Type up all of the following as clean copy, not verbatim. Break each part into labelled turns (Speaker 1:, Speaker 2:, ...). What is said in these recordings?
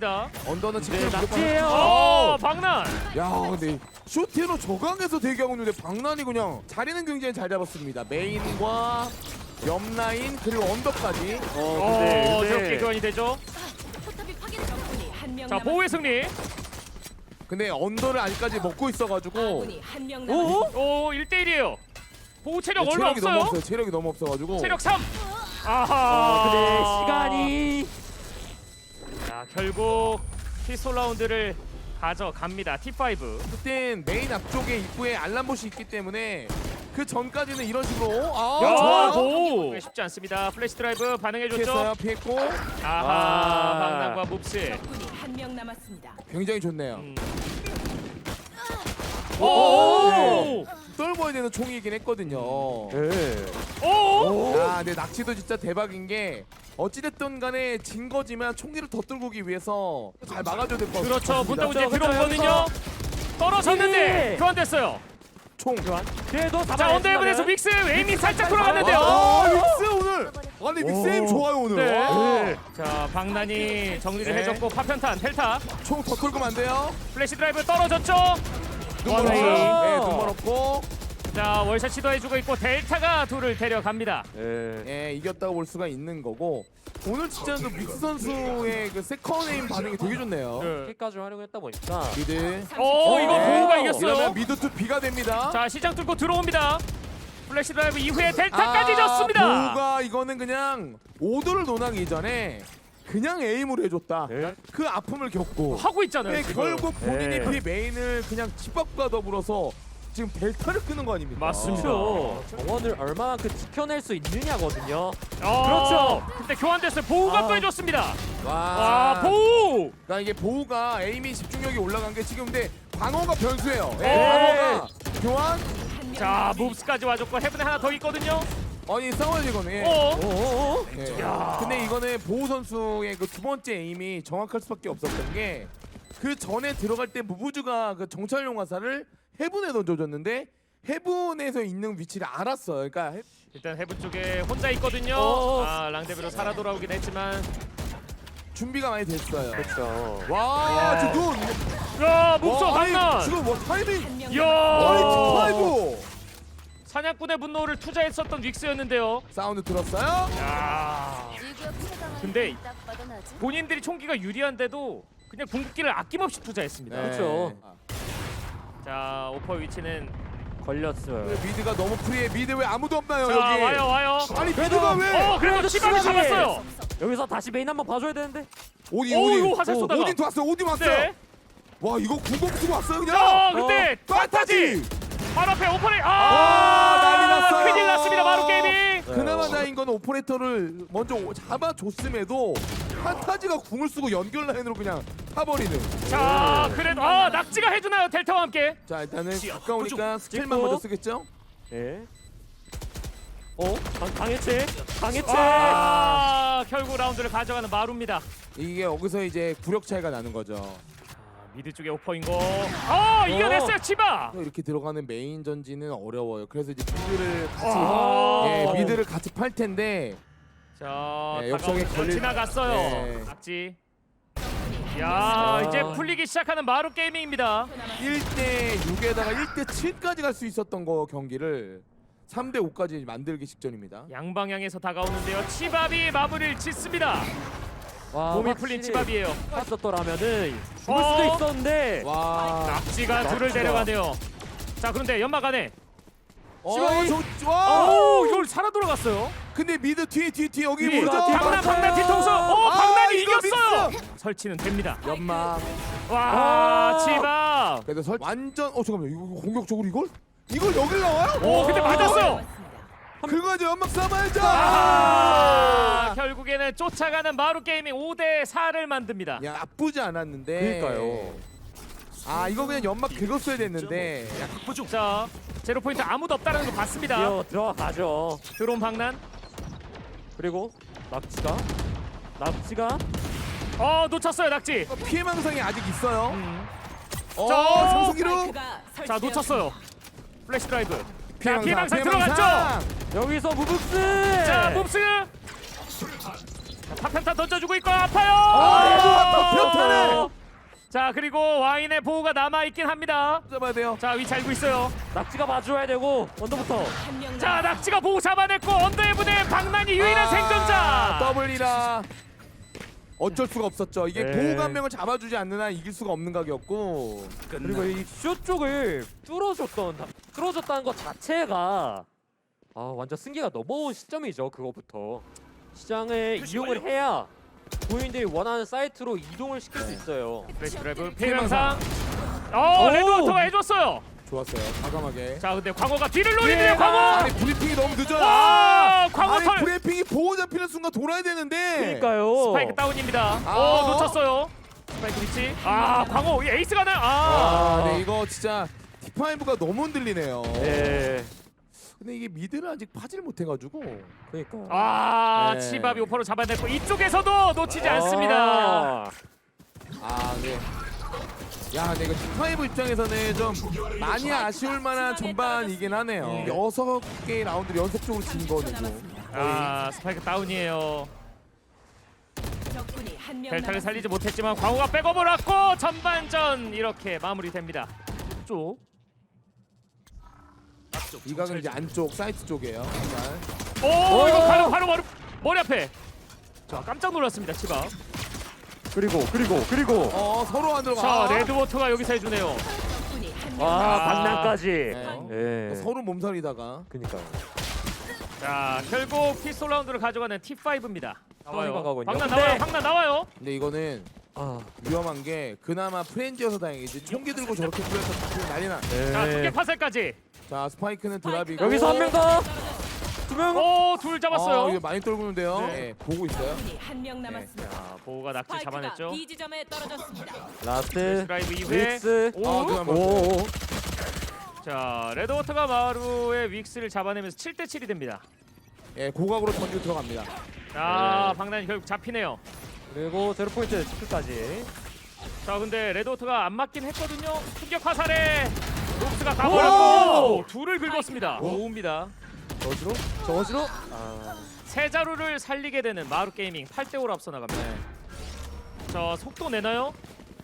Speaker 1: 있습니다.
Speaker 2: 언더는 지금
Speaker 3: 네,
Speaker 2: 무조건-
Speaker 3: 낙지예요.
Speaker 1: 박난.
Speaker 2: 야 근데 쇼티로 저강에서 대기하고 있는데 박난이 그냥 자리는 굉장히 잘 잡았습니다. 메인과 옆라인 그리고 언더까지.
Speaker 1: 저렇게 교환이 되죠.
Speaker 4: 포탑이 파괴됐습니다. 한명
Speaker 1: 자, 보호의 승리.
Speaker 2: 근데 언더를 아직까지 먹고 있어가지고
Speaker 4: 아군이 한명 남았습니다.
Speaker 1: 오, 1대1이에요. 보호 체력 얼마
Speaker 2: 체력이 너무
Speaker 1: 없어요.
Speaker 2: 없어요. 체력이 너무 없어가지고.
Speaker 1: 체력 3. 아하.
Speaker 3: 근데 시간이
Speaker 1: 자, 결국 피스톨 라운드를 가져갑니다. T5.
Speaker 2: 그땐 메인 앞쪽에 입구에 알람봇이 있기 때문에 그 전까지는 이런 식으로
Speaker 1: 야,
Speaker 2: 좋아요.
Speaker 1: 고! 쉽지 않습니다. 플래시 드라이브 반응해줬죠.
Speaker 2: 피했어요. 피했고
Speaker 1: 아하, 박난과 몹스.
Speaker 4: 적군이 한명 남았습니다.
Speaker 2: 굉장히 좋네요.
Speaker 1: 오!
Speaker 2: 떨궈야 되는 총이긴 했거든요.
Speaker 3: 네.
Speaker 1: 오!
Speaker 2: 야, 근데 낙지도 진짜 대박인 게 어찌됐든 간에 진 거지만 총기를 더 뚫고기 위해서 잘 막아줘야 될 것 같아요.
Speaker 1: 그렇죠. 문다고 이제
Speaker 3: 그렇죠,
Speaker 1: 들어오거든요. 떨어졌는데
Speaker 3: 네.
Speaker 1: 교환됐어요.
Speaker 2: 총.
Speaker 3: 그래도
Speaker 1: 자, 언더헤븐에서 믹스 에임이 살짝 돌아갔는데요.
Speaker 2: 와, 믹스 오늘. 아니 믹스 에임 좋아요 오늘.
Speaker 1: 네.
Speaker 2: 와.
Speaker 1: 자, 박난이 정리를
Speaker 2: 네.
Speaker 1: 해줬고 파편탄, 델타,
Speaker 2: 총 더 뚫으면 안 돼요.
Speaker 1: 플래시 드라이브 떨어졌죠.
Speaker 2: 눈
Speaker 1: 와,
Speaker 2: 멀었어요.
Speaker 1: 네.
Speaker 2: 네, 눈 멀었고.
Speaker 1: 자, 월샷 시도해주고 있고 델타가 둘을 데려갑니다.
Speaker 3: 네.
Speaker 2: 예, 이겼다고 볼 수가 있는 거고. 오늘 진짜 그 믹스 선수의 그 세컨 에임 반응이 되게 좋네요.
Speaker 3: 끝까지 활용했다 보니까
Speaker 2: 미드.
Speaker 1: 오, 이거
Speaker 2: 네.
Speaker 1: 보호가
Speaker 2: 이러면
Speaker 1: 이겼어요.
Speaker 2: 미드 투 B가 됩니다.
Speaker 1: 자, 시장 뚫고 들어옵니다. 플래시 드라이브 이후에 델타까지 졌습니다.
Speaker 2: 보우가 이거는 그냥 오도를 논하기 이전에 그냥 에임으로 해줬다.
Speaker 3: 네.
Speaker 2: 그 아픔을 겪고
Speaker 1: 하고 있잖아요.
Speaker 2: 네,
Speaker 1: 지금.
Speaker 2: 결국 본인이
Speaker 3: 네.
Speaker 2: 비 메인을 그냥 집밥과 더불어서 지금 델타를 끄는 거 아닙니까?
Speaker 1: 맞습니다.
Speaker 3: 그렇죠. 정원을 얼마만큼 지켜낼 수 있느냐거든요.
Speaker 1: 그렇죠. 근데 교환됐어요. 보호가 또 해줬습니다.
Speaker 2: 와,
Speaker 1: 와, 보호.
Speaker 2: 그러니까 이게 보우가 에임이 집중력이 올라간 게 지금 근데 방어가 변수예요. 네,
Speaker 1: 네.
Speaker 2: 방어가 교환.
Speaker 4: 한명
Speaker 1: 자, 몹스까지 와줬고 헤븐에 하나 더 있거든요.
Speaker 2: 아니 싸워야지 이거는. 예.
Speaker 1: 어.
Speaker 2: 네.
Speaker 1: 야.
Speaker 2: 근데 이거는 보우 선수의 그 두 번째 에임이 정확할 수밖에 없었던 게 그 전에 들어갈 때 무브즈가 그 정찰용 화살을 헤븐에 던져줬는데 헤븐에서 있는 위치를 알았어요. 그러니까
Speaker 1: 일단 헤븐 쪽에 혼자 있거든요. 아, 랑데비로 살아 돌아오긴 했지만.
Speaker 2: 준비가 많이 됐어요.
Speaker 3: 그렇죠.
Speaker 2: 와,
Speaker 1: 네.
Speaker 2: 저 눈.
Speaker 1: 야, 몹스
Speaker 2: 와, 아니,
Speaker 1: 강난.
Speaker 2: 지금 뭐 타이밍.
Speaker 4: 한명
Speaker 2: 아니,
Speaker 1: 야.
Speaker 2: T5.
Speaker 1: 사냥꾼의 분노를 투자했었던 윅스였는데요.
Speaker 2: 사운드 들었어요?
Speaker 1: 야. 근데 본인들이 총기가 유리한데도 그냥 궁극기를 아낌없이 투자했습니다.
Speaker 3: 그렇죠.
Speaker 1: 자, 오퍼 위치는
Speaker 3: 걸렸어요.
Speaker 2: 미드가 너무 프리해. 미드 왜 아무도 없나요,
Speaker 1: 자,
Speaker 2: 여기?
Speaker 1: 와요.
Speaker 2: 아니, 미드가 왜?
Speaker 1: 그래도
Speaker 3: 그래도
Speaker 1: 치밥을
Speaker 3: 치밥이!
Speaker 1: 잡았어요.
Speaker 3: 여기서 다시 메인 한번 봐줘야 되는데.
Speaker 2: 오딘,
Speaker 1: 오,
Speaker 2: 오딘.
Speaker 1: 이거 화살 쏘다가.
Speaker 2: 오딘 왔어요. 오딘 왔어요.
Speaker 1: 네.
Speaker 2: 와, 이거 궁금 쓰고 왔어요, 그냥.
Speaker 1: 자, 근데
Speaker 2: 판타지.
Speaker 1: 바로 앞에 오퍼레.
Speaker 2: 난리 났어요.
Speaker 1: 큰일 났습니다. 마루 게이밍.
Speaker 2: 그나마 다행인 건 오퍼레이터를 먼저 잡아줬음에도 판타지가 궁을 쓰고 연결 라인으로 그냥 타버리는.
Speaker 1: 자, 그래도 낙지가 해주나요? 델타와 함께.
Speaker 2: 자, 일단은 가까우니까 스킬만
Speaker 3: 찍고.
Speaker 2: 먼저 쓰겠죠?
Speaker 3: 네. 강해체.
Speaker 1: 결국 라운드를 가져가는 마루입니다.
Speaker 2: 이게 여기서 이제 구력 차이가 나는 거죠.
Speaker 1: 미드 쪽에 오퍼인 거. 이겨냈어요, 치바.
Speaker 2: 이렇게 들어가는 메인 전지는 어려워요. 그래서 이제 미드를 같이
Speaker 1: 아.
Speaker 2: 예, 미드를 같이 팔 텐데
Speaker 1: 자,
Speaker 2: 네, 역성에 걸릴-
Speaker 1: 지나갔어요.
Speaker 2: 네.
Speaker 1: 낙지. 야, 이제 풀리기 시작하는 마루 게이밍입니다.
Speaker 2: 1대 6에다가 1대 7까지 갈 수 있었던 거 경기를 3대 5까지 만들기 직전입니다.
Speaker 1: 양방향에서 다가오는데요. 치밥이 마무리를 짓습니다.
Speaker 3: 와,
Speaker 1: 몸이 풀린 치밥이에요.
Speaker 3: 했었더라면은 죽을 수도 있었는데.
Speaker 2: 와.
Speaker 1: 낙지가 둘을
Speaker 3: 낙지가.
Speaker 1: 데려가네요. 자, 그런데 연막 안에.
Speaker 2: 와.
Speaker 1: 이걸 살아 돌아갔어요.
Speaker 2: 근데 미드 뒤에 여기
Speaker 1: 뒤에.
Speaker 2: 모르죠?
Speaker 1: 박난 뒤통수. 박난이
Speaker 2: 이거
Speaker 1: 이겼어요.
Speaker 2: 믹스!
Speaker 1: 설치는 됩니다.
Speaker 2: 연막.
Speaker 1: 와, 치밥.
Speaker 2: 그래도 완전 잠깐만요. 이거 공격적으로 이걸 여길 나와요?
Speaker 1: 오, 근데 맞았어요.
Speaker 2: 그거 이제 연막 쏴봐야죠.
Speaker 1: 결국에는 쫓아가는 마루 게이밍 5대 4를 만듭니다.
Speaker 2: 야, 나쁘지 않았는데.
Speaker 3: 그러니까요.
Speaker 2: 아, 이거 그냥 연막 긁었어야 됐는데.
Speaker 1: 자, 제로 포인트 아무도 없다는 거 봤습니다.
Speaker 3: 들어가죠.
Speaker 1: 드론 박난.
Speaker 3: 그리고 낙지가
Speaker 1: 놓쳤어요, 낙지.
Speaker 2: 피해 망상이 아직 있어요.
Speaker 1: 자,
Speaker 2: 정수기로.
Speaker 1: 자, 놓쳤어요. 플래시 드라이브. 자,
Speaker 2: 피해
Speaker 1: 피해망상
Speaker 2: 망상, 피해
Speaker 1: 들어갔죠.
Speaker 2: 망상.
Speaker 3: 여기서 무브스.
Speaker 1: 자, 몹스. 파편탄 던져주고 있고 아파요.
Speaker 2: 파편탄에!
Speaker 1: 자 그리고 와인의 보호가 남아 있긴 합니다.
Speaker 2: 잡아야 돼요.
Speaker 1: 자 위치 알고 있어요.
Speaker 3: 낙지가 봐줘야 되고 언더부터.
Speaker 4: 한명
Speaker 1: 자 낙지가 보호 잡아냈고 언더의 부대 박난이 유일한 생존자.
Speaker 2: 더블이라 어쩔 수가 없었죠. 이게
Speaker 3: 네.
Speaker 2: 보호가 한 명을 잡아주지 않는 한 이길 수가 없는 각이었고.
Speaker 3: 그리고 이 쇼 쪽을 뚫어줬다는 것 자체가 완전 승기가 넘어온 시점이죠. 그거부터 시장을 이용을 해야 본인들이 원하는 사이트로 이동을 시킬 수 있어요.
Speaker 1: 플래시 드라이브
Speaker 2: 피해망상.
Speaker 1: 피해망상.
Speaker 3: 오!
Speaker 1: 레드워터가 해줬어요.
Speaker 2: 좋았어요. 과감하게.
Speaker 1: 자 근데 광호가 뒤를 노리네요. 광호.
Speaker 2: 아니 브리핑이 너무 늦어요.
Speaker 1: 와 광호
Speaker 2: 아니
Speaker 1: 털.
Speaker 2: 브리핑이 보호 잡히는 순간 돌아야 되는데.
Speaker 3: 그러니까요.
Speaker 1: 스파이크 다운입니다.
Speaker 2: 아.
Speaker 1: 놓쳤어요. 스파이크 위치. 광호 이 에이스가 나요.
Speaker 2: 네 이거 진짜 T5가 너무 흔들리네요.
Speaker 3: 네.
Speaker 2: 근데 이게 미드를 아직 파질 못해가지고.
Speaker 3: 그러니까.
Speaker 2: 네.
Speaker 1: 치밥이 오퍼로 잡아냈고 이쪽에서도 놓치지 않습니다.
Speaker 2: 네. 야, 근데 이거 T5 입장에서는 좀 많이 아쉬울 만한 전반이긴 하네요. 6개의 라운드를 연속적으로 진 거는
Speaker 1: 스파이크 다운이에요.
Speaker 4: 적군이 한명
Speaker 1: 델타를 살리지 못했지만 광호가 백업을 왔고 전반전 이렇게 마무리됩니다. 쪽.
Speaker 2: 이 각은 이제 안쪽 사이트 쪽이에요. 자,
Speaker 1: 오 이거 바로 머리 앞에. 자 깜짝 놀랐습니다 치밥.
Speaker 3: 그리고
Speaker 2: 서로 안
Speaker 1: 자
Speaker 2: 들어가.
Speaker 1: 레드워터가 여기서 해주네요.
Speaker 4: 적군이 한명
Speaker 3: 박난까지.
Speaker 2: 네.
Speaker 3: 예.
Speaker 2: 서로 몸살이다가.
Speaker 3: 그니까요.
Speaker 1: 자 결국 피스톨 라운드를 가져가는 T5입니다. 나와요.
Speaker 3: 가군요.
Speaker 1: 박난
Speaker 3: 근데-
Speaker 1: 나와요. 박난 나와요.
Speaker 2: 근데 이거는 위험한 게 그나마 프렌즈여서 다행이지. 총기 들고 저렇게 뿌려서 난리나.
Speaker 1: 자 두개 파셀까지.
Speaker 2: 자 스파이크는 드랍이고.
Speaker 3: 여기서 한 명 더. 두 명.
Speaker 1: 오둘 잡았어요.
Speaker 2: 이거 많이 떨구는데요.
Speaker 1: 네.
Speaker 2: 네, 보고 있어요.
Speaker 4: 적군이 한명 남았습니다.
Speaker 1: 자 보호가 낙지
Speaker 4: 스파이크가
Speaker 1: 잡아냈죠.
Speaker 4: B 지점에 떨어졌습니다.
Speaker 3: 라스트.
Speaker 1: 드라이브 이후에
Speaker 3: 윅스.
Speaker 1: 오.
Speaker 2: 그다음
Speaker 3: 오.
Speaker 1: 자 레드워터가 마루의 윅스를 잡아내면서 7대 7이 됩니다.
Speaker 2: 고각으로 던지고 들어갑니다.
Speaker 1: 자 박난이 결국 잡히네요.
Speaker 3: 그리고 제로 포인트 치크까지.
Speaker 1: 자 근데 레드워터가 안 맞긴 했거든요. 충격 화살에 록스가
Speaker 2: 오!
Speaker 1: 가버렸고 둘을 긁었습니다. 오입니다.
Speaker 3: 저거지로.
Speaker 1: 세 자루를 살리게 되는 마루 게이밍 8대 5로 앞서 나갑니다. 자 속도 내나요?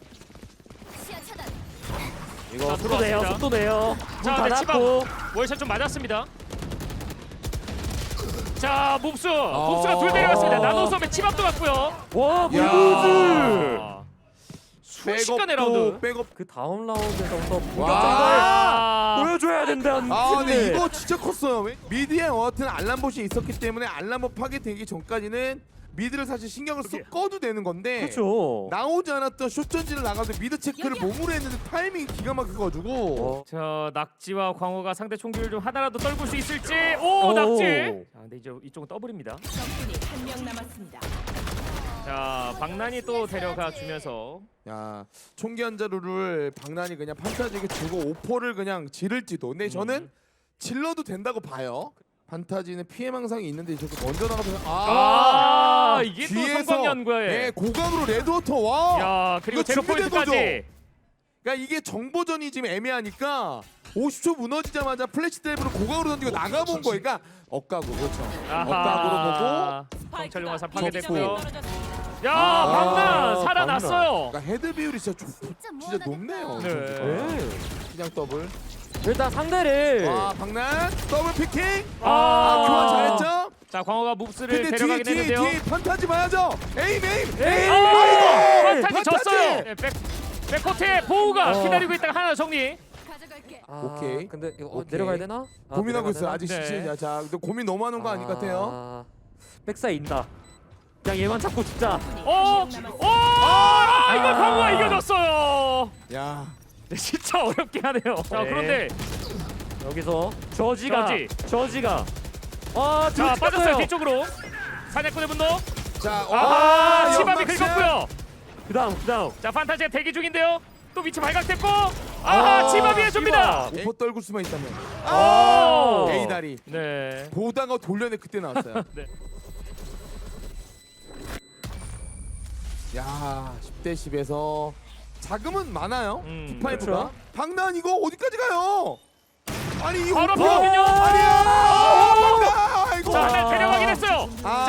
Speaker 3: 이거
Speaker 1: 자,
Speaker 3: 속도 내요.
Speaker 1: 들어왔습니다.
Speaker 3: 속도 내요.
Speaker 1: 자
Speaker 3: 문
Speaker 1: 근데 치밥
Speaker 3: 닫았고.
Speaker 1: 월샷 좀 맞았습니다. 자 몹스가 둘 데려갔습니다. 나노섬의 치밥도 갔고요.
Speaker 3: 와 물구즈.
Speaker 1: 순식간에 라운드.
Speaker 2: 백업.
Speaker 3: 그 다음 라운드에서부터
Speaker 2: 와.
Speaker 3: 보여줘야 된다는
Speaker 2: 근데
Speaker 3: 팀들.
Speaker 2: 이거 진짜 컸어요. 미드에 어떤 알람봇이 있었기 때문에 알람봇 파괴되기 전까지는 미드를 사실 신경을 쏙 꺼도 되는 건데
Speaker 3: 그렇죠.
Speaker 2: 나오지 않았던 숏전지를 나가도 미드 체크를 몸으로 했는데 타이밍이 기가 막혀가지고
Speaker 1: 자 낙지와 광호가 상대 총기를 좀 하나라도 떨굴 수 있을지. 오 낙지. 자 근데 이제 이쪽은 더블입니다.
Speaker 4: 적군이 한명 남았습니다.
Speaker 1: 자 박난이 또 데려가 주면서
Speaker 2: 야 총기 한 자루를 박난이 그냥 판타지에게 주고 오퍼를 그냥 지를지도. 근데 저는 질러도 된다고 봐요. 판타지는 피해망상이 있는데 저렇게 먼저 나가서
Speaker 1: 이게 또 성광연구에.
Speaker 2: 네, 고각으로 레드워터 와.
Speaker 1: 야 그리고
Speaker 2: 이거
Speaker 1: 제로
Speaker 2: 준비된
Speaker 1: 포인트까지.
Speaker 2: 그러니까 이게 정보전이 지금 애매하니까 50초 무너지자마자 플래시 드라이브로 고각으로 던지고 나가본 거예요. 그러니까 억각으로 그렇죠. 억각으로 보고
Speaker 1: 정찰용 화살
Speaker 2: 적고.
Speaker 1: 파괴됐고요.
Speaker 4: 떨어졌습니다.
Speaker 1: 야 박난
Speaker 3: 박난.
Speaker 1: 살아났어요.
Speaker 2: 그러니까 헤드 비율이 진짜 진짜 높네요.
Speaker 1: 네.
Speaker 3: 네.
Speaker 2: 그냥 더블.
Speaker 3: 일단 상대를
Speaker 2: 와 박난 더블 피킹.
Speaker 1: 아,
Speaker 2: 교환 잘했죠?
Speaker 1: 자 광호가 몹스를
Speaker 2: 근데
Speaker 1: 데려가긴 했는데요.
Speaker 2: 뒤에 판타지 봐야죠. 에임.
Speaker 1: 판타지 졌어요. 네, 백코트의 보호가 기다리고 있다가 하나 정리.
Speaker 4: 가져갈게.
Speaker 2: 오케이.
Speaker 3: 근데 이거
Speaker 2: 오케이.
Speaker 3: 내려가야 되나?
Speaker 2: 고민하고
Speaker 3: 내려가야
Speaker 2: 있어요.
Speaker 3: 되나?
Speaker 2: 아직
Speaker 1: 네.
Speaker 2: 시즌이야. 자, 근데 고민 너무 하는 거 아닌 것 같아요.
Speaker 3: 백사이 인다. 그냥 얘만 잡고 죽자.
Speaker 4: 적군이
Speaker 1: 오!
Speaker 4: 한명 남았습니다.
Speaker 1: 오! 이거 광호가 이겨줬어요.
Speaker 2: 야,
Speaker 1: 네, 진짜 어렵게 하네요. 자
Speaker 3: 네.
Speaker 1: 그런데
Speaker 3: 여기서 저지가
Speaker 1: 자 빠졌어요
Speaker 3: 빠졌어요.
Speaker 1: 뒤쪽으로. 사냥꾼의 분노.
Speaker 2: 자,
Speaker 1: 치밥이
Speaker 2: 연막샷.
Speaker 1: 긁었고요.
Speaker 3: 그다음.
Speaker 1: 자 판타지가 대기 중인데요. 또 위치 발각됐고.
Speaker 3: 아,
Speaker 1: 치밥이 해줍니다.
Speaker 2: 오퍼 떨굴 수만 있다면.
Speaker 1: 오!
Speaker 2: A 다리.
Speaker 1: 네.
Speaker 2: 보다가 돌려내 그때 나왔어요.
Speaker 1: 네.
Speaker 2: 야, 10대 10에서 자금은 많아요. T5가.
Speaker 3: 그렇죠.
Speaker 2: 박난 이거 어디까지 가요? 아니 이
Speaker 1: 바로
Speaker 2: 오퍼.
Speaker 1: 앞이거든요.
Speaker 2: 아니야. 이거.
Speaker 1: 자 하나 데려가긴 했어요. 자
Speaker 2: 네.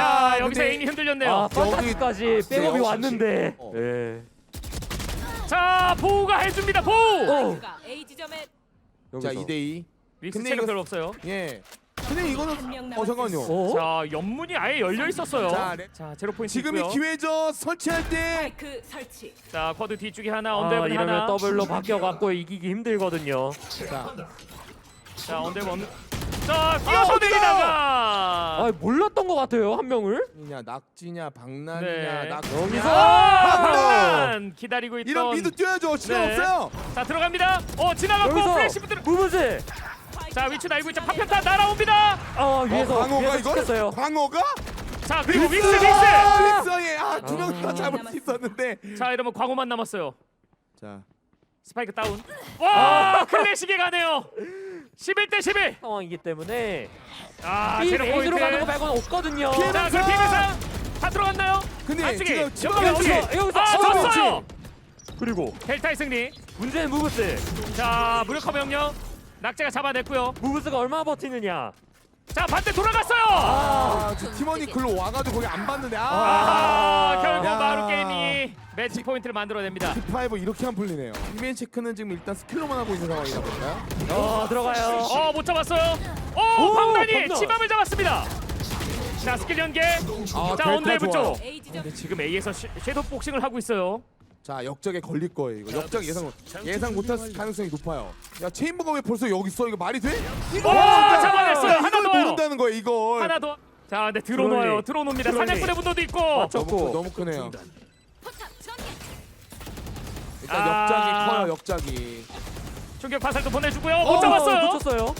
Speaker 1: 여기서
Speaker 2: 근데-
Speaker 1: 에임이 흔들렸네요.
Speaker 3: 아 판타지까지 백업이
Speaker 2: 네,
Speaker 3: 왔는데.
Speaker 2: 어.
Speaker 3: 예.
Speaker 1: 자 보우가 해줍니다. 보우.
Speaker 4: 스파이크가 A 지점에
Speaker 2: 자
Speaker 3: 여기서.
Speaker 2: 2대2.
Speaker 1: 윅스
Speaker 2: 근데
Speaker 1: 체력
Speaker 2: 이거-
Speaker 1: 별로 없어요.
Speaker 2: 예. 근데 이거는
Speaker 4: 한명
Speaker 2: 잠깐만요.
Speaker 3: 어?
Speaker 1: 자 연문이 아예 열려 있었어요.
Speaker 2: 자,
Speaker 1: 자 제로 포인트
Speaker 2: 지금이
Speaker 1: 있고요.
Speaker 2: 기회죠. 설치할 때.
Speaker 4: 스파이크 설치.
Speaker 1: 자 쿼드 뒤쪽에 하나,
Speaker 3: 아,
Speaker 1: 언더블
Speaker 3: 이러면
Speaker 1: 하나.
Speaker 3: 더블로 바뀌어갖고 이기기 힘들거든요.
Speaker 2: 자,
Speaker 1: 자 언더블. 자 뛰어서
Speaker 2: 어디가?
Speaker 1: 내리다가.
Speaker 3: 아 몰랐던 것 같아요 한 명을.
Speaker 2: 냐 낙지냐 박난이냐
Speaker 1: 네.
Speaker 2: 낙지냐.
Speaker 3: 여기서
Speaker 1: 아,
Speaker 2: 박난!
Speaker 1: 박난 기다리고 있던.
Speaker 2: 이런 미드 뛰어야죠. 시간
Speaker 1: 네.
Speaker 2: 없어요.
Speaker 1: 자 들어갑니다. 지나갔고
Speaker 3: 여기서
Speaker 1: 플래시 부들.
Speaker 3: 무브즈.
Speaker 1: 자 위치 알고 있죠. 파편타 날아옵니다.
Speaker 3: 위에서
Speaker 2: 광어가
Speaker 3: 위에서
Speaker 2: 이걸?
Speaker 3: 찍혔어요.
Speaker 2: 광어가?
Speaker 1: 자 그리고 윅스.
Speaker 2: 윅스에 두 명 다 잡을 수 있었는데.
Speaker 1: 자 이러면 광호만 남았어요.
Speaker 2: 자,
Speaker 1: 스파이크 다운. 와 클래식에 가네요. 11대 11.
Speaker 3: 상황이기 때문에
Speaker 1: 아
Speaker 3: 이
Speaker 1: 제로
Speaker 3: 메인으로
Speaker 1: 포인트.
Speaker 3: 가는 거 말고는 없거든요.
Speaker 2: 피해-
Speaker 1: 자 그럼 피해상 다 들어갔나요?
Speaker 2: 근데
Speaker 1: 안쪽에
Speaker 2: 지금
Speaker 1: 연막
Speaker 2: 여기서-
Speaker 1: 안쪽에.
Speaker 3: 여기서
Speaker 1: 아
Speaker 3: 그렇지.
Speaker 1: 졌어요.
Speaker 3: 그리고
Speaker 1: 델타의 승리.
Speaker 3: 문제는 무브스.
Speaker 1: 자 무력화 명령. 낙제가 잡아냈고요.
Speaker 3: 무브스가 얼마나 버티느냐.
Speaker 1: 자 반대 돌아갔어요.
Speaker 2: 아, 저 팀원이 글로 와가지고 거기 안 봤는데.
Speaker 1: 결국
Speaker 2: 야.
Speaker 1: 마루 게임이 매치 포인트를 만들어냅니다.
Speaker 2: T5 이렇게 안 풀리네요. 이면 체크는 지금 일단 스킬로만 하고 있는 상황이다 보니까.
Speaker 3: 들어가요.
Speaker 1: 못 잡았어요.
Speaker 3: 오,
Speaker 1: 방단이
Speaker 3: 방단.
Speaker 1: 치밤을 잡았습니다. 자 스킬 연계. 자
Speaker 2: 델타
Speaker 1: 언더헤브
Speaker 2: 좋아요.
Speaker 1: 쪽.
Speaker 4: A 지점
Speaker 1: 근데 지금 A에서 섀도우 복싱을 하고 있어요.
Speaker 2: 자, 역적에 걸릴 거예요. 이거 역적 예상 못할 가능성이 높아요. 야, 체인버가 왜 벌써 여기 있어? 이거 말이 돼? 이거
Speaker 1: 잡아냈어요. 하나
Speaker 2: 이걸
Speaker 1: 더요.
Speaker 2: 모른다는 거예요. 이걸.
Speaker 1: 하나 더. 자 근데 들어놓아요. 들어놓습니다.
Speaker 3: 드론이.
Speaker 1: 사냥꾼의 분도도 있고.
Speaker 2: 너무 크네요.
Speaker 4: 포탑 전개.
Speaker 2: 일단
Speaker 1: 아.
Speaker 2: 역작이 커요. 역작이.
Speaker 1: 충격 화살도 보내주고요. 못 잡았어요.
Speaker 3: 놓쳤어요.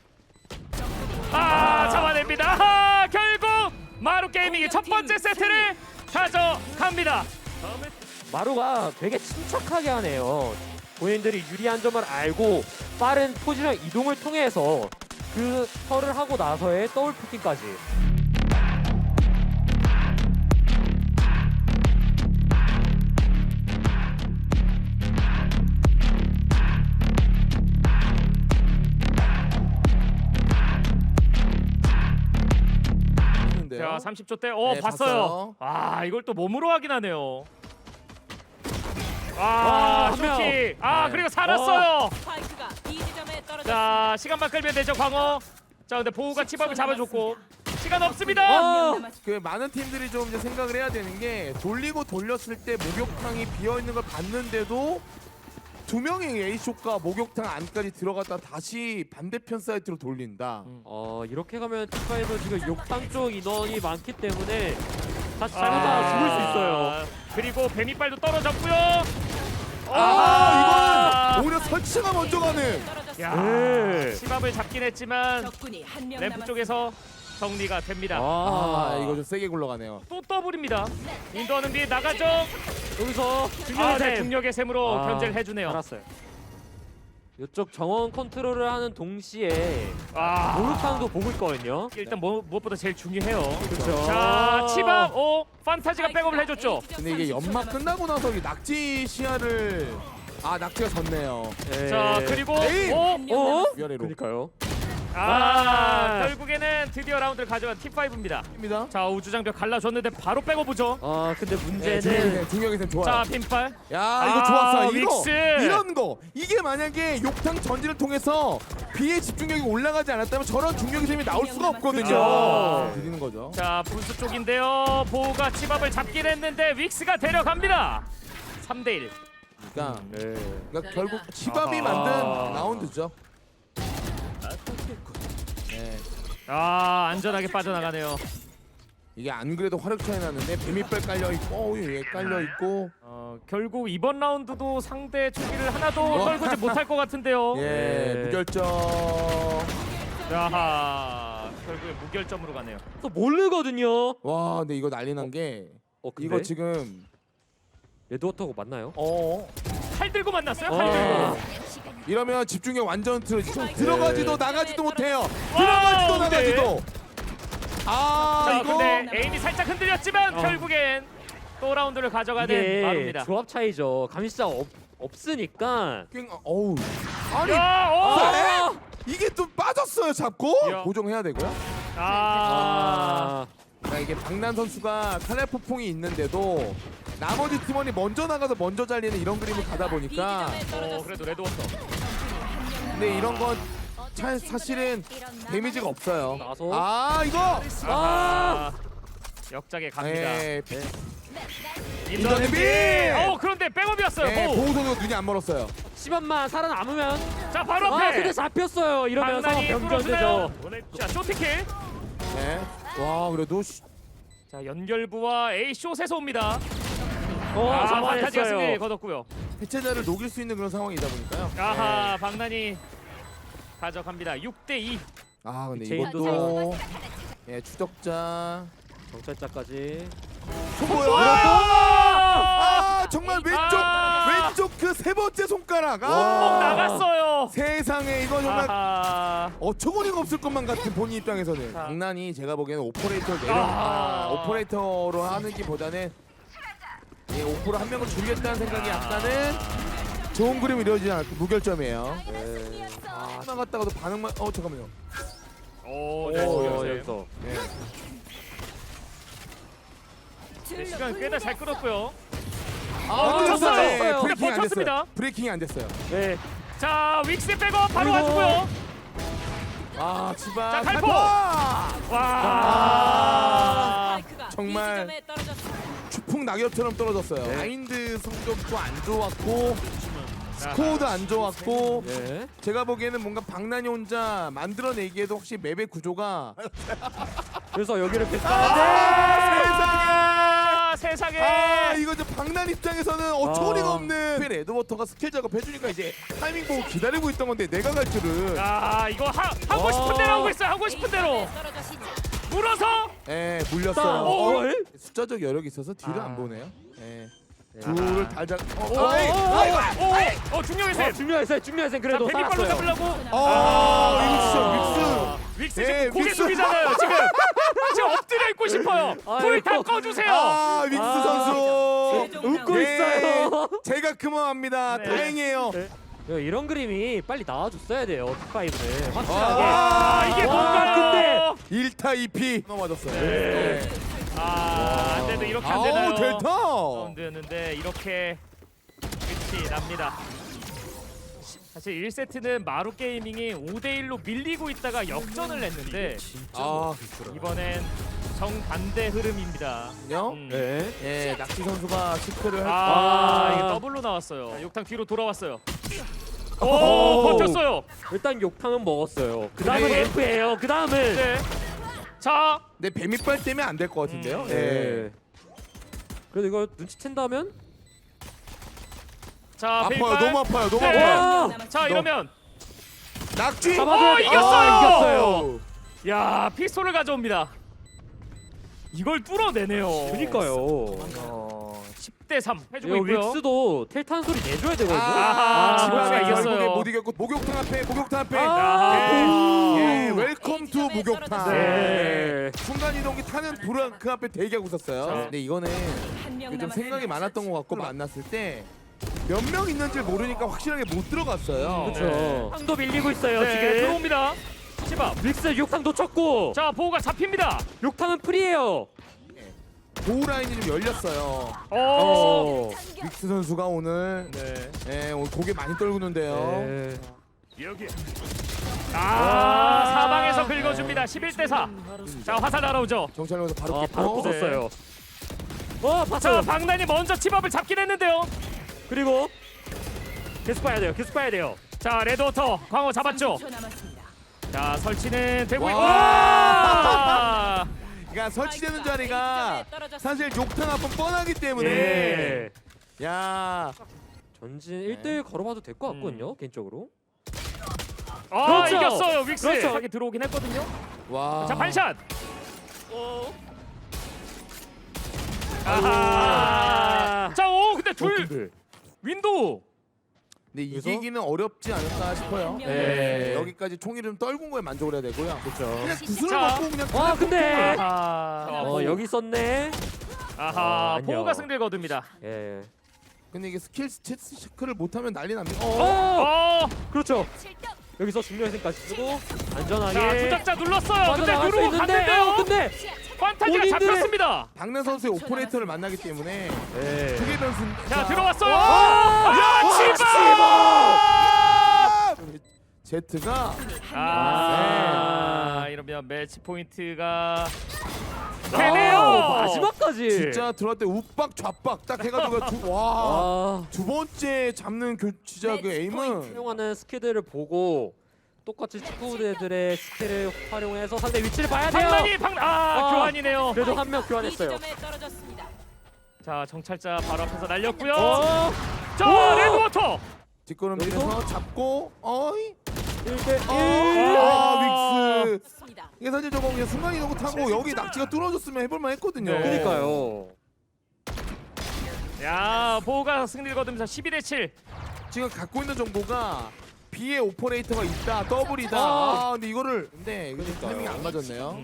Speaker 1: 잡아냅니다. 결국 마루 게이밍이 첫 번째 세트를 가져갑니다.
Speaker 3: 마루가 되게 침착하게 하네요. 본인들이 유리한 점을 알고 빠른 포지션 이동을 통해서 그 털을 하고 나서의 더블 피킹까지.
Speaker 1: 자 30초 때
Speaker 2: 네,
Speaker 1: 봤어요.
Speaker 2: 봤어요.
Speaker 1: 이걸 또 몸으로 확인하네요.
Speaker 3: 한 명.
Speaker 1: 쇼킥.
Speaker 2: 네.
Speaker 1: 그리고 살았어요.
Speaker 4: 스파이크가 B 지점에 떨어졌습니다.
Speaker 1: 자 시간만 끌면 되죠 광어. 자 근데 보우가 치밥을 잡아줬고 시간 없습니다.
Speaker 3: 어.
Speaker 2: 그 많은 팀들이 좀 이제 생각을 해야 되는 게 돌리고 돌렸을 때 목욕탕이 비어 있는 걸 봤는데도 두 명의 A쇼가 목욕탕 안까지 들어갔다 다시 반대편 사이트로 돌린다.
Speaker 3: 이렇게 가면 팀파이브 지금 욕탕 쪽 인원이 많기 때문에 다시 잘못하면 죽을 수 있어요.
Speaker 1: 그리고 뱀이빨도 떨어졌고요.
Speaker 2: 이거는 오히려 설치가 먼저 가는.
Speaker 1: 야
Speaker 3: 네.
Speaker 1: 치밥을 잡긴 했지만
Speaker 4: 적군이 한명
Speaker 1: 램프
Speaker 4: 남았습니다.
Speaker 1: 쪽에서 정리가 됩니다.
Speaker 2: 이거 좀 세게 굴러가네요.
Speaker 1: 또 더블입니다. 인도하는 뒤에 나가죠.
Speaker 3: 여기서
Speaker 1: 네,
Speaker 3: 중요한 셈.
Speaker 1: 중력의 셈으로 견제를 해주네요.
Speaker 3: 알았어요. 이쪽 정원 컨트롤을 하는 동시에
Speaker 1: 아,
Speaker 3: 목욕탕도 보고 있거든요.
Speaker 1: 일단 무엇보다 제일 중요해요.
Speaker 3: 그렇죠.
Speaker 1: 자, 치밥, 판타지가 백업을 해줬죠.
Speaker 2: 근데 이게 연막 끝나고 나서 이 낙지 시야를 낙지가 졌네요.
Speaker 1: 자, 그리고
Speaker 2: 에이! 위아래로.
Speaker 3: 그러니까요.
Speaker 1: 결국에는 드디어 라운드를 가져간 T5입니다.
Speaker 2: 입니다.
Speaker 1: 자, 우주장벽 갈라줬는데 바로 백업보죠.
Speaker 3: 근데 문제는
Speaker 2: 중력의 셈 좋아요.
Speaker 1: 자, 빈발.
Speaker 2: 야 이거 좋았어.
Speaker 1: 윅스.
Speaker 2: 이런 거 이게 만약에 욕탕 전지를 통해서 비의 집중력이 올라가지 않았다면 저런 중력의 셈이 나올 수가 없거든요.
Speaker 1: 그렇죠.
Speaker 2: 드리는 거죠.
Speaker 1: 자, 분수 쪽인데요. 보우가 치밥을 잡긴 했는데 윅스가 데려갑니다. 3대1.
Speaker 2: 그러니까 결국 치밥이 만든 라운드죠. 네.
Speaker 1: 안전하게 빠져나가네요.
Speaker 2: 이게 안 그래도 화력 차이 나는데 뱀이빨 깔려 있고 얘 깔려 있고
Speaker 1: 결국 이번 라운드도 상대 초기를 하나도 떨구지 못할 것 같은데요.
Speaker 2: 무결점.
Speaker 1: 야하, 결국에 무결점으로 가네요.
Speaker 3: 또 모르거든요.
Speaker 2: 와 근데 이거 난리 난 게
Speaker 3: 근데
Speaker 2: 이거 지금
Speaker 3: 레드워터고 맞나요?
Speaker 1: 칼 들고 만났어요. 칼 들고.
Speaker 2: 이러면 집중력 완전 틀어지죠. 들어가지도 나가지도 못해요.
Speaker 1: 와우,
Speaker 2: 들어가지도
Speaker 1: 네.
Speaker 2: 나가지도.
Speaker 1: 자,
Speaker 2: 이거
Speaker 1: 근데 에임이 살짝 흔들렸지만 결국엔 또 라운드를 가져가는
Speaker 3: 이게
Speaker 1: 마루입니다.
Speaker 3: 조합 차이죠. 감시자가 없으니까.
Speaker 2: 어우. 아니
Speaker 1: 야,
Speaker 2: 이게 또 빠졌어요 잡고
Speaker 1: 야.
Speaker 2: 고정해야 되고요.
Speaker 1: 아,
Speaker 2: 네, 이게 박난 선수가 칼날 폭풍이 있는데도 나머지 팀원이 먼저 나가서 먼저 잘리는 이런 그림을 가다 보니까
Speaker 1: 그래도 레드워터.
Speaker 2: 근데 이런 건 사실은 데미지가 없어요.
Speaker 3: 나서.
Speaker 2: 아 이거
Speaker 1: 아, 역작에 갑니다.
Speaker 2: 네,
Speaker 1: 인더네비.
Speaker 2: 인더네비!
Speaker 1: 그런데 백업이었어요.
Speaker 2: 네,
Speaker 1: 보우.
Speaker 2: 보호 선수가 눈이 안 멀었어요.
Speaker 3: 10원만 살아남으면.
Speaker 1: 자 바로
Speaker 3: 아
Speaker 1: 앞에.
Speaker 3: 근데 잡혔어요. 이러면 상황
Speaker 1: 방난이
Speaker 3: 변경되죠.
Speaker 1: 뚫어주네요. 자 쇼트킬.
Speaker 2: 네. 와 그래도
Speaker 1: 자 연결부와 A 숏에서 옵니다. 판타지가 승리
Speaker 3: 잡아냈어요.
Speaker 1: 거뒀고요.
Speaker 2: 해체자를 녹일 수 있는 그런 상황이다 보니까요.
Speaker 1: 아하 박난이 가져갑니다. 6대2.
Speaker 2: 아 근데
Speaker 3: 제인도
Speaker 2: 이것도 예 추적자
Speaker 3: 정찰자까지.
Speaker 2: 뭐야? 아 정말 왼쪽 그 세 번째 손가락.
Speaker 1: 나갔어요.
Speaker 2: 세상에 이거 정말
Speaker 1: 아하.
Speaker 2: 어처구니가 없을 것만 같은 본인 입장에서는
Speaker 1: 자.
Speaker 2: 장난이 제가 보기에는 오퍼레이터 오퍼레이터로 하는 기보다는 예, 오퍼로 한 명을 줄이겠다는 생각이 약간은 좋은 그림이 이루어지지 않았고 무결점이에요.
Speaker 3: 네.
Speaker 2: 하나 갔다가도 반응만 잠깐만요.
Speaker 1: 오,
Speaker 3: 여기서.
Speaker 2: 네.
Speaker 1: 네, 시간 꽤나 잘 끌었고요.
Speaker 2: 쳤어요.
Speaker 1: 네,
Speaker 2: 브레이킹이 안
Speaker 1: 버텼습니다.
Speaker 2: 됐어요. 브레이킹이 안 됐어요.
Speaker 3: 네.
Speaker 1: 자 윅스 백업 바로
Speaker 3: 그리고-
Speaker 1: 가지고요.
Speaker 2: 아 치바
Speaker 1: 자, 칼포!
Speaker 2: 칼포!
Speaker 1: 와.
Speaker 2: 정말 추풍 낙엽처럼 떨어졌어요.
Speaker 3: 네.
Speaker 2: 마인드 성적도 안 좋았고 스코어도 안 좋았고
Speaker 3: 네.
Speaker 2: 제가 보기에는 뭔가 박난이 혼자 만들어내기에도 혹시 맵의 구조가
Speaker 3: 그래서 여기를
Speaker 2: 아,
Speaker 1: 세상에.
Speaker 2: 이거 이제 박난 입장에서는 어처구니가
Speaker 3: 아.
Speaker 2: 없는 레드워터가 스킬 작업 해주니까 이제 타이밍 보고 기다리고 있던 건데 내가 갈 줄은
Speaker 1: 이거 하고 싶은 대로 하고 있어요. 하고 싶은 대로 물어서.
Speaker 2: 물렸어요.
Speaker 3: 오.
Speaker 2: 숫자적 여력이 있어서 뒤를
Speaker 1: 아.
Speaker 2: 안 보네요.
Speaker 3: 네.
Speaker 2: 둘을 달자.
Speaker 1: 중력의 샘.
Speaker 3: 중요한 셈 그래도
Speaker 1: 베비발로
Speaker 3: 살았어요.
Speaker 1: 잡으려고.
Speaker 2: 이거
Speaker 1: 윅스
Speaker 2: 네,
Speaker 1: 지금 고개
Speaker 2: 윅스.
Speaker 1: 숙이잖아요. 지금 엎드려 있고 싶어요. 불 다 꺼주세요.
Speaker 2: 믹스
Speaker 3: 아.
Speaker 2: 선수
Speaker 3: 웃고
Speaker 2: 네,
Speaker 3: 있어요.
Speaker 2: 제가 그만합니다.
Speaker 1: 네.
Speaker 2: 다행이에요.
Speaker 3: 이런 그림이 빨리 나와줬어야 돼요. 픽5는
Speaker 2: 아,
Speaker 1: 이게
Speaker 3: 와,
Speaker 1: 뭔가요?
Speaker 2: 1타 2피 넘어졌어요.
Speaker 1: 네. 안 돼도 이렇게 안 되나요?
Speaker 2: 아우 델타.
Speaker 1: 라운드였는데 이렇게 끝이 납니다. 사실 1세트는 마루 게이밍이 5대1로 밀리고 있다가 역전을 했는데 이번엔 정반대 흐름입니다.
Speaker 3: 네.
Speaker 2: 예, 낙지 선수가 시크를 할.
Speaker 1: 이게 더블로 나왔어요. 자, 욕탕 뒤로 돌아왔어요. 오,
Speaker 3: 오.
Speaker 1: 버텼어요.
Speaker 3: 일단 욕탕은 먹었어요. 그 다음은
Speaker 2: 네.
Speaker 3: F예요. 그 다음은
Speaker 1: 네. 자,
Speaker 2: 네, 뱀이빨 때문에 안 될 것 같은데요.
Speaker 3: 네. 그래도 이거 눈치챈다면
Speaker 1: 자,
Speaker 2: 아파요.
Speaker 1: 베이발.
Speaker 2: 너무 아파요. 너무
Speaker 1: 네.
Speaker 2: 아파요.
Speaker 1: 자, 이러면
Speaker 2: 낙지.
Speaker 3: 잡아줘야 돼.
Speaker 1: 이겼어요.
Speaker 3: 이겼어요.
Speaker 1: 야, 피스톨을 가져옵니다. 이걸 뚫어내네요.
Speaker 3: 그니까요.
Speaker 1: 10대3
Speaker 3: 이거
Speaker 1: 해주고 있고요.
Speaker 3: 윅스도 텔탄 소리 내줘야 되거든요.
Speaker 1: 아하,
Speaker 2: 지방에
Speaker 1: 지방에 이겼어요.
Speaker 2: 결국에 못 이겼고 목욕탕 앞에 목욕탕 앞에.
Speaker 3: 아,
Speaker 2: 예, 웰컴 투 목욕탕.
Speaker 3: 네.
Speaker 2: 순간 이동기 타는 불안 그 앞에 대기하고 있었어요.
Speaker 1: 자.
Speaker 2: 근데 이거는 좀 생각이 많았던 것 같고 만났을 때 몇 명 있는지 모르니까 확실하게 못 들어갔어요.
Speaker 3: 그렇죠. 상도 밀리고 있어요
Speaker 1: 네,
Speaker 3: 지금.
Speaker 1: 들어옵니다. 치밥.
Speaker 3: 윅스 욕탕 놓쳤고.
Speaker 1: 자, 보호가 잡힙니다.
Speaker 3: 욕탕은 프리예요.
Speaker 2: 보호 라인이 좀 열렸어요. 믹스 선수가 오늘
Speaker 1: 네.
Speaker 2: 오늘 고개 많이 떨구는데요.
Speaker 3: 네.
Speaker 1: 여기. 사방에서 긁어줍니다. 11대4. 자, 화살 날아오죠.
Speaker 2: 정찰로에서 바로
Speaker 3: 바로
Speaker 2: 깼고.
Speaker 3: 부쉈어요.
Speaker 1: 자,
Speaker 3: 봤어요.
Speaker 1: 박난이 먼저 치밥을 잡긴 했는데요.
Speaker 3: 그리고 계속 봐야 돼요. 계속 봐야 돼요.
Speaker 1: 자, 레드워터 광어 잡았죠. 자, 설치는 되고 있고.
Speaker 2: 와! 그러니까 설치되는 자리가 사실 욕탕 앞은 뻔하기 때문에
Speaker 3: 예.
Speaker 2: 야
Speaker 3: 전진 1대1 걸어봐도 될 것 같거든요. 개인적으로. 그렇죠.
Speaker 1: 이겼어요. 윅스.
Speaker 3: 그렇죠.
Speaker 1: 자기 들어오긴 했거든요.
Speaker 2: 와.
Speaker 1: 자, 반샷. 아하. 자, 근데 둘
Speaker 3: 근데.
Speaker 1: 윈도우.
Speaker 2: 근데
Speaker 3: 그래서?
Speaker 2: 이기기는 어렵지 않을까 싶어요.
Speaker 3: 네.
Speaker 2: 여기까지 총이름 떨군 거에 만족을 해야 되고요.
Speaker 3: 그렇죠.
Speaker 2: 그냥 구슬을
Speaker 1: 자.
Speaker 2: 먹고 그냥
Speaker 3: 와 근데
Speaker 1: 아하.
Speaker 3: 여기 있었네.
Speaker 1: 아하.
Speaker 3: 아니요.
Speaker 1: 보호가 승리를 거둡니다.
Speaker 3: 예.
Speaker 2: 근데 이게 스킬 체크를 못하면 난리 납니다.
Speaker 3: 그렇죠. 여기서 중력의 생까지 쓰고
Speaker 1: 자,
Speaker 3: 안전하게
Speaker 1: 조작자 눌렀어요. 근데
Speaker 3: 빠져나갈 수
Speaker 1: 누르고
Speaker 3: 있는데.
Speaker 1: 갔는데요.
Speaker 3: 근데
Speaker 1: 판타지가
Speaker 3: 본인들의-
Speaker 1: 잡혔습니다.
Speaker 2: 박난 선수의 오퍼레이터를 만나기 때문에
Speaker 3: 네.
Speaker 2: 두개 변수.
Speaker 1: 자 들어왔어요.
Speaker 3: 아!
Speaker 1: 야 치바!
Speaker 2: 제트가
Speaker 1: 이러면 매치 포인트가 되네요.
Speaker 3: 마지막까지.
Speaker 2: 진짜 들어갈 때 우박 좌박 딱 해가지고 와. 두 번째 잡는 진짜 그 에임은
Speaker 3: 사용하는 스킬들을 보고 똑같이 축구대들의 스킬을 활용해서 상대 위치를 봐야 돼요.
Speaker 1: 방만이 교환이네요.
Speaker 3: 그래도 한 명
Speaker 4: B
Speaker 3: 교환했어요.
Speaker 4: 지점에 떨어졌습니다.
Speaker 1: 자 정찰자 바로 앞에서 날렸고요.
Speaker 3: 어,
Speaker 1: 자 레드워터.
Speaker 2: 뒷걸음질에서 잡고 어이
Speaker 3: 1대1.
Speaker 2: 윅스
Speaker 4: 좋습니다.
Speaker 2: 이게 사실 저거 그냥 순간 이동 타고 여기 낙지가 뚫어줬으면 해볼만 했거든요.
Speaker 1: 네.
Speaker 3: 그러니까요.
Speaker 1: 야 보호가 승리를 거두면서 12대7.
Speaker 2: 지금 갖고 있는 정보가 B에 오퍼레이터가 있다 더블이다. 근데 이거를 근데 이거 타이밍이 안 맞았네요.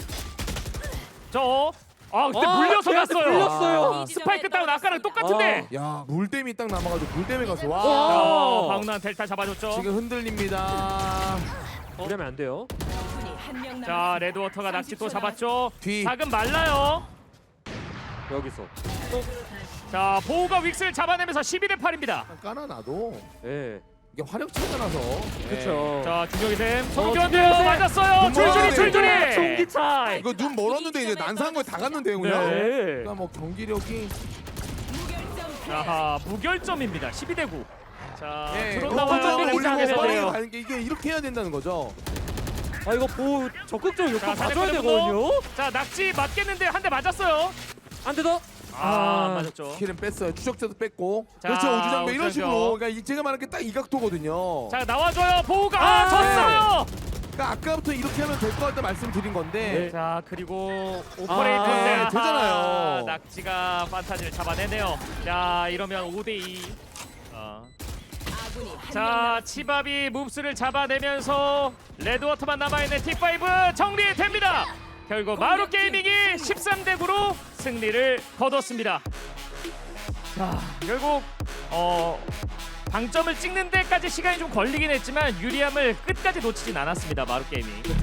Speaker 1: 그때 물려서
Speaker 3: 걔한테
Speaker 1: 갔어요.
Speaker 3: 물렸어요.
Speaker 1: 스파이크 다운 아까랑 똑같은데.
Speaker 2: 야 물댐이 딱 남아가지고 물댐에 가서 와
Speaker 3: 와.
Speaker 1: 방난 델타 잡아줬죠.
Speaker 2: 지금 흔들립니다.
Speaker 3: 이러면 안 돼요.
Speaker 4: 적군이 한명 남았습니다.
Speaker 1: 자 레드워터가 낙지 또 잡았죠.
Speaker 2: 뒤.
Speaker 1: 작은 말라요.
Speaker 3: 여기서.
Speaker 1: 자 보호가 윅스를 잡아내면서 12대8입니다.
Speaker 2: 까나놔도
Speaker 3: 예.
Speaker 2: 이게 화력 차가 나서
Speaker 3: 그렇죠.
Speaker 1: 자 준혁이 쌤 소금
Speaker 3: 어,
Speaker 1: 교환되면서
Speaker 3: 네.
Speaker 1: 맞았어요. 줄줄이 줄줄이.
Speaker 3: 총기 차이.
Speaker 2: 이거 눈 멀었는데 이제 난사한 거 다 갔는데요 그냥.
Speaker 3: 네.
Speaker 2: 그러니까 뭐 경기력이
Speaker 4: 무결점
Speaker 1: 자 무결점입니다. 12대9. 자
Speaker 2: 예,
Speaker 1: 드론
Speaker 2: 어,
Speaker 1: 나와요.
Speaker 2: 올리고
Speaker 1: 시작해서
Speaker 2: 빠르게
Speaker 1: 돼요.
Speaker 2: 가는 게 이게 이렇게 해야 된다는 거죠.
Speaker 3: 아 이거 보호 적극적으로
Speaker 1: 자,
Speaker 3: 욕구 봐줘야
Speaker 1: 사냥꾼의
Speaker 3: 되거든요.
Speaker 1: 자 낙지 맞겠는데 한 대 맞았어요.
Speaker 3: 안 되더.
Speaker 1: 안 맞았죠.
Speaker 2: 스킬은 뺐어요. 추적자도 뺐고.
Speaker 1: 자,
Speaker 2: 그렇죠 우주장배 이런
Speaker 1: 우주장벽.
Speaker 2: 식으로. 그러니까 제가 말한 게 딱 이 각도거든요.
Speaker 1: 자 나와줘요. 보호가
Speaker 3: 아,
Speaker 1: 졌어요.
Speaker 2: 그러니까 아까부터 이렇게 하면 될 것 같다 말씀드린 건데.
Speaker 1: 자 그리고 오퍼레이터인데
Speaker 2: 네, 되잖아요.
Speaker 1: 낙지가 판타지를 잡아내네요. 자 이러면 5대2.
Speaker 4: 아군이 한명
Speaker 1: 자
Speaker 4: 남았습니다.
Speaker 1: 치밥이 몹스를 잡아내면서 레드워터만 남아있는 T5 정리됩니다. 결국 마루 게이밍이 13대9로 승리를 거뒀습니다. 자 결국 방점을 찍는 데까지 시간이 좀 걸리긴 했지만 유리함을 끝까지 놓치진 않았습니다. 마루 게이밍.